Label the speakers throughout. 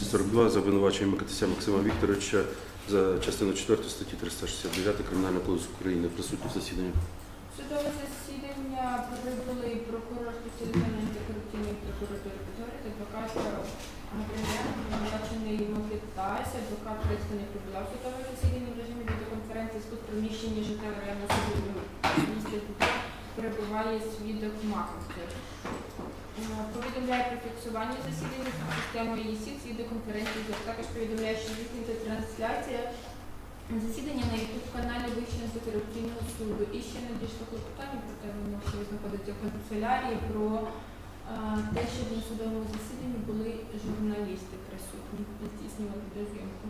Speaker 1: 242 за обвинуваченням Микитися Максима Вікторовича за частину 4 статті 369 Кримінального кодексу України. Присутні в засіданні.
Speaker 2: Судове засідання прибули прокурор спеціалізованої антикорупційної прокуратури Петори та адвокат Габріелян, обвинувачений Микитась. Адвокат Крицька не прибула в судове засідання в режимі відеоконференції з приміщення життя районного суду міста Дніпра перебуває свідок Маховцев. Повідомляє про фіксування засідання за системою ЄСІ, відеоконференції. Також повідомляє, що здійснюється трансляція засідання на YouTube-каналі Вищого антикорупційного суду. І ще надійшло клопотання, проте воно ще знаходиться в канцелярії, про те, що на судовому засіданні були журналісти присутні, здійснювали відеозйомку.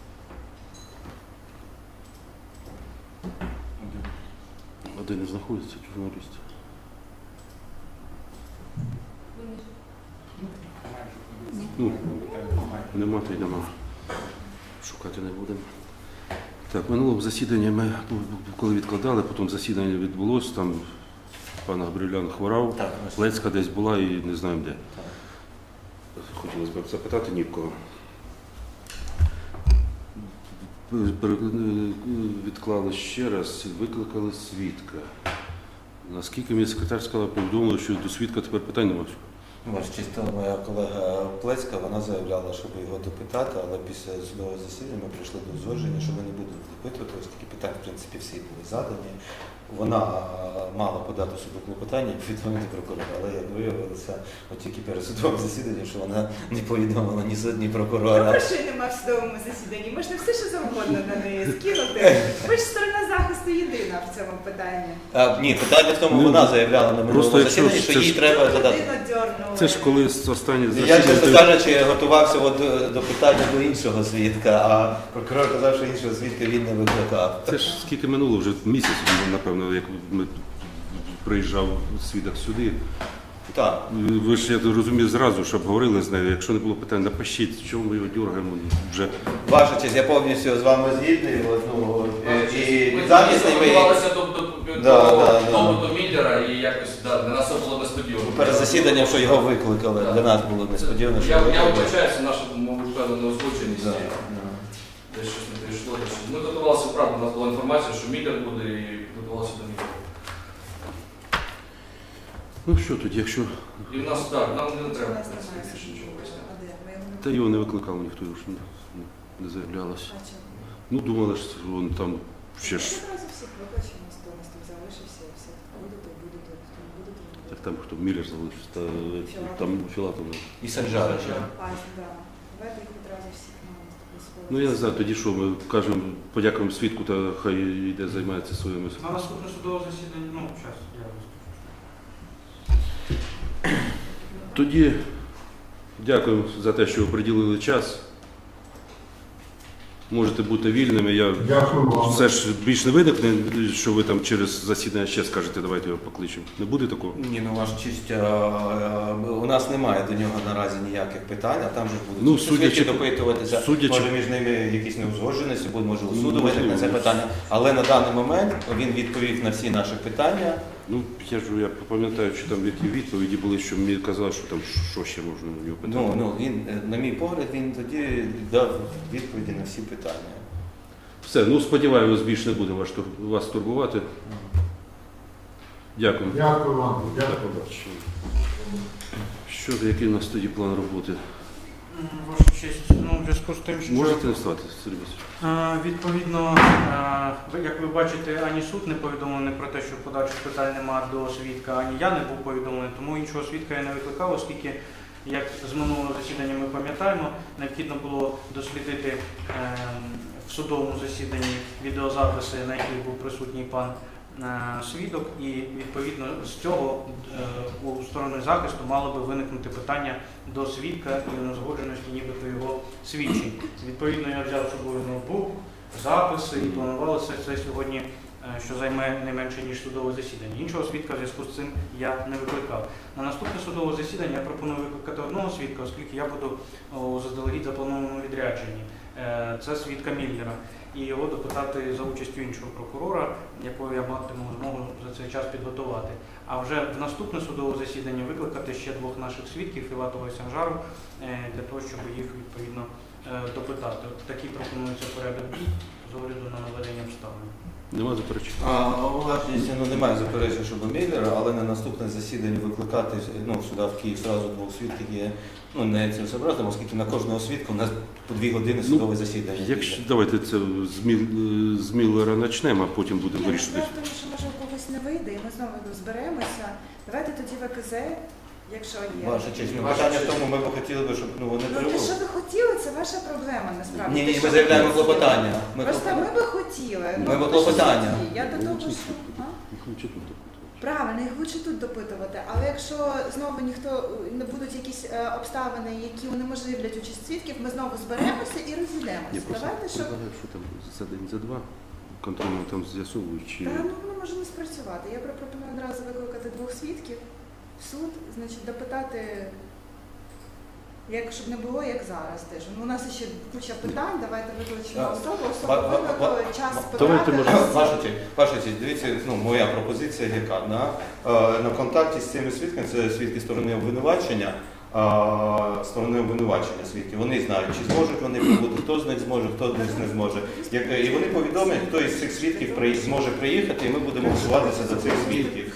Speaker 1: Один не знаходиться, журналіст. Ну, нема, то й нема. Шукати не будемо. Так, минулого засідання ми, коли відкладали, потім засідання відбулося, там пан Габріелян хворав, Лецька десь була і не знаємо де. Хотілося б запитати ні в кого. Відклали ще раз, викликали свідка. Наскільки мені секретар сказала, повідомила, що до свідка тепер питань немає.
Speaker 3: Ваш чисто моя колега Плецька, вона заявляла, щоб його допитати, але після судового засідання ми прийшли до узгодження, що ми не будемо допитувати, оскільки питання, в принципі, всі були задані. Вона мала подати суду клопотання і повідомити прокурора, але як виявилося, от тільки перед судовим засіданням, що вона не повідомила ні суд, ні прокурора.
Speaker 4: Грошей нема в судовому засіданні, можна все, що завгодно на неї скинути. Ви ж сторона захисту єдина в цьому питанні.
Speaker 3: Ні, питання в тому, вона заявляла на минулому засіданні, що їй треба задати.
Speaker 1: Це ж коли останнє
Speaker 3: Я, чесно
Speaker 1: засідання.
Speaker 3: кажучи, готувався до питання до іншого свідка, а прокурор казав, що іншого свідка він не викликав.
Speaker 1: Це ж скільки минуло, вже місяць, напевно, як ми приїжджав свідок сюди.
Speaker 3: Так.
Speaker 1: Ви ж, я розумію, зразу, щоб говорили з нею. Якщо не було питань, напишіть, чому ми його дергаємо вже.
Speaker 3: Ваша честь, я повністю з вами згідний. І
Speaker 5: Ми
Speaker 3: замісний ми...
Speaker 5: готувалися до Міллера і якось для нас це було несподівано.
Speaker 3: Перед засіданням, що його викликали, для нас було несподівано, що
Speaker 5: Я
Speaker 3: викликали.
Speaker 5: вибачаюся, наша, мабуть, певна неузгодженість. Десь щось не прийшло. Ми готувалися, правда, у нас була інформація, що Міллер буде, і готувалися до Міллера.
Speaker 1: Ну що тоді, якщо...
Speaker 5: І в нас, так, нам не треба більше нічого поясняти.
Speaker 1: Та його не викликав ніхто, його ж не заявлялося. Ну, думали, що він там ще ж...
Speaker 4: Одразу всіх вибачимо, хто у нас там залишився, все. Будете, будете, хто не будете, не
Speaker 1: Так
Speaker 4: будете.
Speaker 1: там хто Міллер залишився, та там Філатов.
Speaker 3: І Санжарич.
Speaker 4: Давайте їх одразу всіх на наступний.
Speaker 1: Ну я не знаю, тоді що, ми кажемо, подякуємо свідку, та хай йде займається своїми...
Speaker 6: На наступне судове засідання, ну, зараз я розкажу.
Speaker 1: Тоді дякую за те, що ви приділили час. Можете бути вільними. Я все ж більш не виникне, що ви там через засідання ще скажете, давайте його покличемо. Не буде такого?
Speaker 3: Ні, ну ваша честь, у нас немає до нього наразі ніяких питань, а там же будуть
Speaker 1: Ну,
Speaker 3: свідки допитуватися.
Speaker 1: судячи-
Speaker 3: Може між ними якісь неузгодженості, може у
Speaker 1: Ну,
Speaker 3: суду виникне це питання. Але на даний момент він відповів на всі наші питання.
Speaker 1: Ну, я пам'ятаю, що там які відповіді були, що мені казали, що там що ще можна у нього питати.
Speaker 3: Ну, він, на мій погляд, він тоді дав відповіді на всі питання.
Speaker 1: Все, ну сподіваємось, більше не буде вас турбувати. Дякую.
Speaker 7: Дякую вам.
Speaker 1: До побачення. Що, який у нас тоді план роботи?
Speaker 6: Ваша честь, ну, в зв'язку з тим, що
Speaker 1: Можете не вставати, Сергій Васильович?
Speaker 6: відповідно, як ви бачите, ані суд не повідомлений про те, що подальших питань немає до свідка, ані я не був повідомлений, тому іншого свідка я не викликав, оскільки, як з минулого засідання ми пам'ятаємо, необхідно було дослідити в судовому засіданні відеозаписи, на яких був присутній пан свідок, і відповідно з цього у сторони захисту мало би виникнути питання до свідка і неузгодженості нібито його свідчень. Відповідно, я взяв з собою ноутбук, записи і планувалося це сьогодні, що займе не менше, ніж судове засідання. Іншого свідка в зв'язку з цим я не викликав. На наступне судове засідання я пропоную викликати одного свідка, оскільки я буду у заздалегідь запланованому відрядженні. Це свідка Міллера. І його допитати за участю іншого прокурора, якого я матиму змогу за цей час підготувати. А вже в наступне судове засідання викликати ще двох наших свідків, Філатова і Санжару, для того, щоб їх відповідно допитати. От такий пропонується порядок дій з огляду на наведення обставин.
Speaker 1: Нема заперечень?
Speaker 3: Власне, немає заперечень щодо Міллера, але на наступне засідання викликати сюди в Київ одразу двох свідків є не цілесообразно, оскільки на кожного свідка у нас по 2 години судове засідання.
Speaker 1: Якщо давайте це з Міллера почнемо, а потім будемо
Speaker 4: Ні,
Speaker 1: вирішувати.
Speaker 4: справа в тому, що може у когось не вийде, і ми знову зберемося. Давайте тоді ВКЗ, якщо є.
Speaker 3: Ваша честь,
Speaker 5: Ваша
Speaker 3: питання в
Speaker 5: честь.
Speaker 3: тому, ми б хотіли, щоб вони
Speaker 4: Ну, те,
Speaker 3: прибули.
Speaker 4: що ви хотіли, це ваша проблема, насправді.
Speaker 3: Ні,
Speaker 4: Те,
Speaker 3: ні,
Speaker 4: що
Speaker 3: ми
Speaker 4: ви
Speaker 3: заявляємо
Speaker 4: хотіли.
Speaker 3: клопотання.
Speaker 4: Просто ми би хотіли.
Speaker 3: Ми би
Speaker 4: ви
Speaker 3: клопотання.
Speaker 4: ж Я до того, що... А?
Speaker 1: Їх лучше тут допитувати.
Speaker 4: Правильно, їх лучше тут допитувати, але якщо знову ніхто не будуть якісь обставини, які унеможливлять участь свідків, ми знову зберемося і
Speaker 1: Я
Speaker 4: розійдемося.
Speaker 1: просто
Speaker 4: Давайте, щоб...
Speaker 1: предлагаю, що там за день, за два контрольно там з'ясовують, чи...
Speaker 4: Та ну воно може не спрацювати. Я пропоную одразу викликати 2 свідків в суд, значить, допитати, щоб не було як зараз теж. Ну, у нас ще куча питань, давайте викличемо особу, викликали, час
Speaker 1: Давайте,
Speaker 4: потратили.
Speaker 3: Ваша честь, дивіться, моя пропозиція яка. На контакті з цими свідками, це свідки сторони обвинувачення, свідки, вони знають, чи зможуть вони прибути, хто з них зможе, хто з них не зможе. І вони повідомлять, хто із цих свідків зможе приїхати, і ми будемо голосуватися за цих свідків.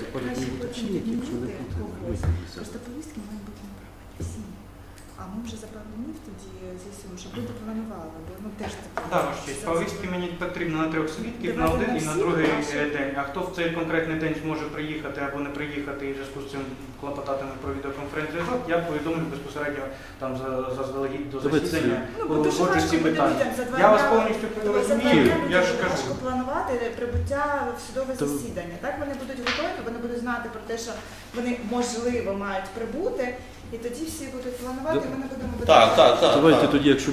Speaker 4: Просто повістки мають бути непрофесійні. А ми вже за пару днів тоді з'ясуємо, щоб люди планували, бо теж таке.
Speaker 6: Так, ваш честь, повістки мені потрібно на 3 свідків, на
Speaker 4: Давайте
Speaker 6: один
Speaker 4: на
Speaker 6: і на
Speaker 4: всіх,
Speaker 6: другий
Speaker 4: краще.
Speaker 6: день. А хто в цей конкретний день зможе приїхати або не приїхати і в зв'язку з цим клопотатиме про відеоконференц-зв'язок, я повідомлю безпосередньо там заздалегідь до
Speaker 1: Давайте
Speaker 6: засідання,
Speaker 4: Ну, бо дуже
Speaker 6: узгоджу
Speaker 4: важко
Speaker 6: ці
Speaker 4: буде
Speaker 6: питання.
Speaker 4: людям за 2
Speaker 6: Я вас
Speaker 4: дня-
Speaker 6: повністю
Speaker 4: за 2
Speaker 6: розумію,
Speaker 4: дня
Speaker 6: я ж
Speaker 4: дуже
Speaker 6: кажу.
Speaker 4: важко планувати прибуття в судове
Speaker 1: То-
Speaker 4: засідання. Так вони будуть готові, вони будуть знати про те, що вони можливо мають прибути, і тоді всі будуть планувати, і ми не будемо
Speaker 3: Так.
Speaker 1: Давайте тоді, якщо